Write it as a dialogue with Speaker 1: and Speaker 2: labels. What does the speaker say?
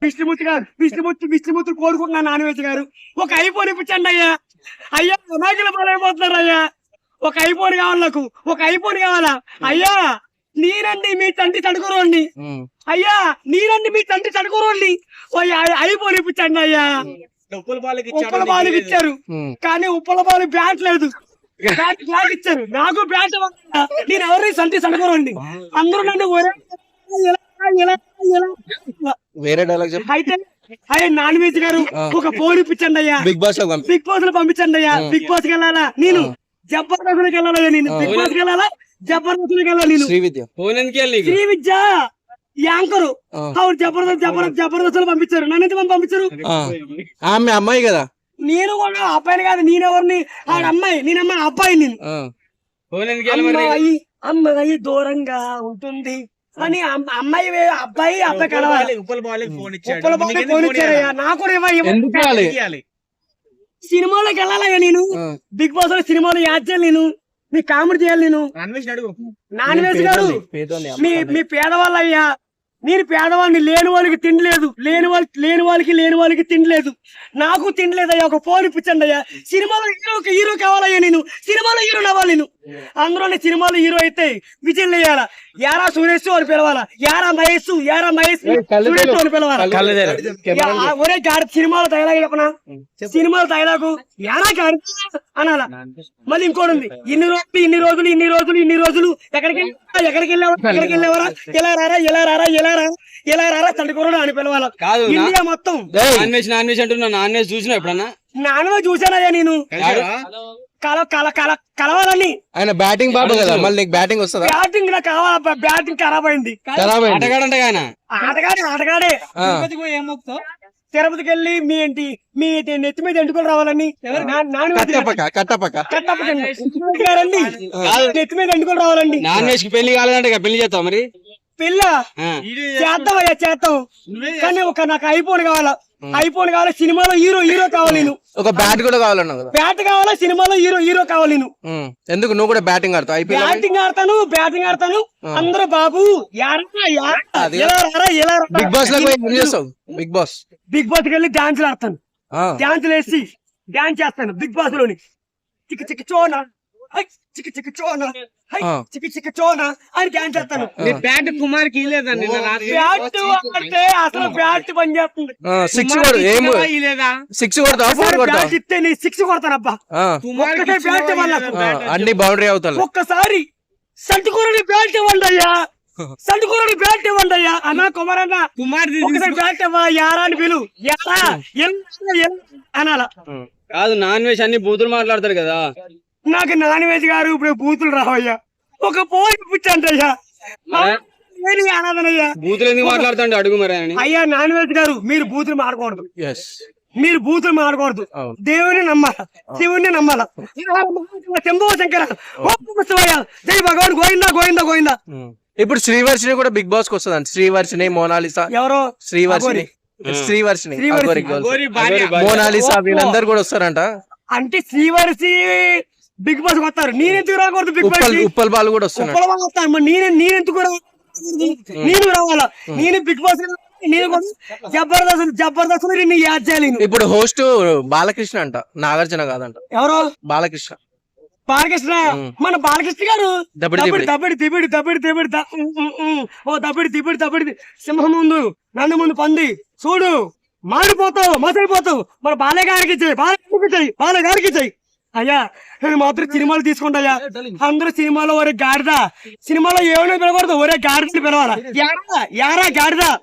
Speaker 1: విష్ణుమూర్తి కోరుకుంటున్నాను non veg గారు. ఒక ఐఫోన్ ఇప్పించండి అయ్యా. అయ్యా అమాయకుల పాలైపోతున్నారు అయ్యా. ఒక ఐఫోన్ కావాలి నాకు. ఒక ఐఫోన్ కావాలా అయ్యా? నేనండి మీ తండ్రి తడుకోరండి అయ్యా. నేనండి మీ తండ్రి తడుకోరండి. ఐఫోన్ ఇప్పించండి అయ్యా. ఉప్పల బాలుకి ఇచ్చారు కానీ ఉప్పల బాలు బ్యాట్ లేదు. బ్యాట్ ఇచ్చారు నాకు బ్యాట్. నేను ఎవరిని తండ్రి తడుకోరండి. అందరూ నన్ను
Speaker 2: వేరే డైలాగ్
Speaker 1: అయితే అయ్యా నాన్ వెజ్ గారు ఒక ఫోన్ ఇప్పించండి అయ్యా.
Speaker 2: బిగ్ బాస్
Speaker 1: లో పంపించండి అయ్యా. బిగ్ బాస్ కి వెళ్ళాలా నేను? జబర్దస్త్కి వెళ్ళాలా నేను? బిగ్ బాస్ కి వెళ్ళాలా? జబర్దస్త్కి వెళ్ళాలి నేను. శ్రీ విద్య యాంకరు జబర్దస్త్ లో పంపించారు. నన్ను ఎంత పంపించారు?
Speaker 2: ఆమె అమ్మాయి కదా.
Speaker 1: నేను కూడా అబ్బాయిని కాదు. నేనెవరిని? ఆడ అమ్మాయి. నేను అమ్మాయి అబ్బాయి. నేను అమ్మాయి దూరంగా ఉంటుంది అని అమ్మాయి అబ్బాయి కలవాలి. ఉప్పల బాలకి ఫోన్ ఇచ్చారయ్యా. నాకు కూడా ఇవ్వాలి. సినిమాలోకి వెళ్ళాలయ్యా నేను. బిగ్ బాస్ లో సినిమాలో యాడ్ చేయాలి నేను. మీ కామెడీ చేయాలి నేను. నాన్ వెజ్ గారు మీ పేదవాళ్ళు అయ్యా. నేను పేదవాడిని. లేని వాళ్ళకి తిండి లేదు. లేని వాళ్ళకి తిండి లేదు. నాకు తిండి లేదయ్యా. ఒక ఫోన్ ఇప్పించండి అయ్యా. సినిమాలో హీరో కావాలయ్యా. నేను సినిమాలో హీరో అవ్వాలి. నేను అందులోనే సినిమాలో హీరో అయితే విజయ్ వేయాలా. యారా సురేష్ అని పిలవాలా. యారా మహేష్ అని పిలవాలా. ఒరే గాడి సినిమాలో డైలాగ్ చెప్పనా? సినిమాలో డైలాగు యారా గాడి అనాలా. మళ్ళీ ఇంకోటి ఉంది. ఇన్ని రోజులు ఎక్కడికి వెళ్ళేవారా? ఎలా రారా తండ్రి అని పిలవాలా. ఇండియా మొత్తం
Speaker 3: నాన్ వెజ్ అంటున్నా. నాన్ వెజ్ చూసినా ఎప్పుడన్నా?
Speaker 1: నాన్ వెజ్ చూసానయ్యా నేను. కలవాలని.
Speaker 2: ఆయన బ్యాటింగ్ బాబు కదా. మళ్ళీ నీకు బ్యాటింగ్ వస్తుందా?
Speaker 1: బ్యాటింగ్ నాకు కావాలా. బ్యాటింగ్ ఖరాబ్ అయింది. ఆటగాడే. తిరుపతికి వెళ్ళి మీ నెత్తి మీద ఎంటుకొని రావాలని. నెత్తి మీద ఎంటుకొని రావాలండి.
Speaker 3: నాన్ వెజ్ కి పెళ్లి కాలేదంటే పెళ్లి చేస్తావు మరి?
Speaker 1: పిల్ల చేద్దాం కానీ నాకు ఐఫోన్ కావాలా. సినిమాలో హీరో కావాలి.
Speaker 2: ఒక బ్యాట్ కూడా కావాలన్నా కదా.
Speaker 1: బ్యాట్ కావాలా. సినిమాలో హీరో కావాలి.
Speaker 2: ఎందుకు నువ్వు కూడా బ్యాటింగ్ ఆడతావు?
Speaker 1: బ్యాటింగ్ ఆడతాను. అందరూ బాబు
Speaker 2: బిగ్ బాస్ లో ఏం చేస్తావు? బిగ్ బాస్
Speaker 1: కి వెళ్ళి డాన్సులు ఆడతాను. డాన్సులు వేసి డాన్స్ చేస్తాను బిగ్ బాస్ లోని. చిక్కి చోనా చిక్కి చోనా అని డాన్స్ చేస్తాను.
Speaker 3: బ్యాట్ కుమార్ కి లేదండి.
Speaker 1: బ్యాట్ అంటే అసలు బ్యాట్ పని చేస్తుంది. బ్యాట్ ఇస్తే నీ 6 కొడతానబ్బా. బ్యాట్
Speaker 2: అన్ని బౌండరీ అవుతాయి.
Speaker 1: ఒక్కసారి సంటుకూరని బ్యాట్ ఇవ్వండి అయ్యా. అన్నా కుమారన్న ఒకసారి బ్యాట్ ఇవ్వ. యారా అని పిలు. అనాలా.
Speaker 3: కాదు నాన్ వెజ్ అన్ని బూతులు మాట్లాడతారు కదా.
Speaker 1: నాకు నాన్ వెజ్ గారు ఇప్పుడు బూతులు రావయ్యా. ఒక పోయి ఇప్పించండి అయ్యా. అనాథనయ్యా.
Speaker 3: బూతులు ఎందుకు మాట్లాడుతాండి అడుగు మరి.
Speaker 1: అయ్యా నాన్ వెజ్ గారు మీరు బూతులు మాడకూడదు. దేవుని నమ్మాల. శివుణ్ణి నమ్మాల. శంభో శంకర జై భగవాన్ గోవిందా.
Speaker 2: ఇప్పుడు శ్రీవర్షిని కూడా బిగ్ బాస్ కి వస్తుంది. శ్రీవర్షిని మోనాలిసా.
Speaker 1: ఎవరో
Speaker 2: శ్రీవర్షిని మోనాలిసా వీళ్ళందరూ కూడా వస్తారంట.
Speaker 1: అంటే శ్రీవర్షి బిగ్ బాస్ వస్తారు. నేనెందుకు రాకూడదు? బిగ్ బాస్
Speaker 2: ఉప్పల్ బాల్ కూడా వస్తాను.
Speaker 1: నేనెందుకు నేను రావాలా? నేను బిగ్ బాస్ జబర్దస్త్ నిన్ను యాడ్ చేయాలి.
Speaker 2: ఇప్పుడు హోస్ట్ బాలకృష్ణ అంట. నాగార్జున కాదంట.
Speaker 1: ఎవరో
Speaker 2: బాలకృష్ణ.
Speaker 1: మన బాలకృష్ణ గారు దబిడి సింహం ముందు నన్ను ముందు పంది చూడు మాడిపోతావు మసైపోతావు. మన బాలగారికి చెయ్యి. అయ్యా నేను మాత్రం సినిమాలు తీసుకుంటాయా. అందరూ సినిమాలో ఒరే గాడిద. సినిమాలో ఏమైనా పిలవకూడదు. ఒరే గాడిదని పిలవాలా. యారా గాడిద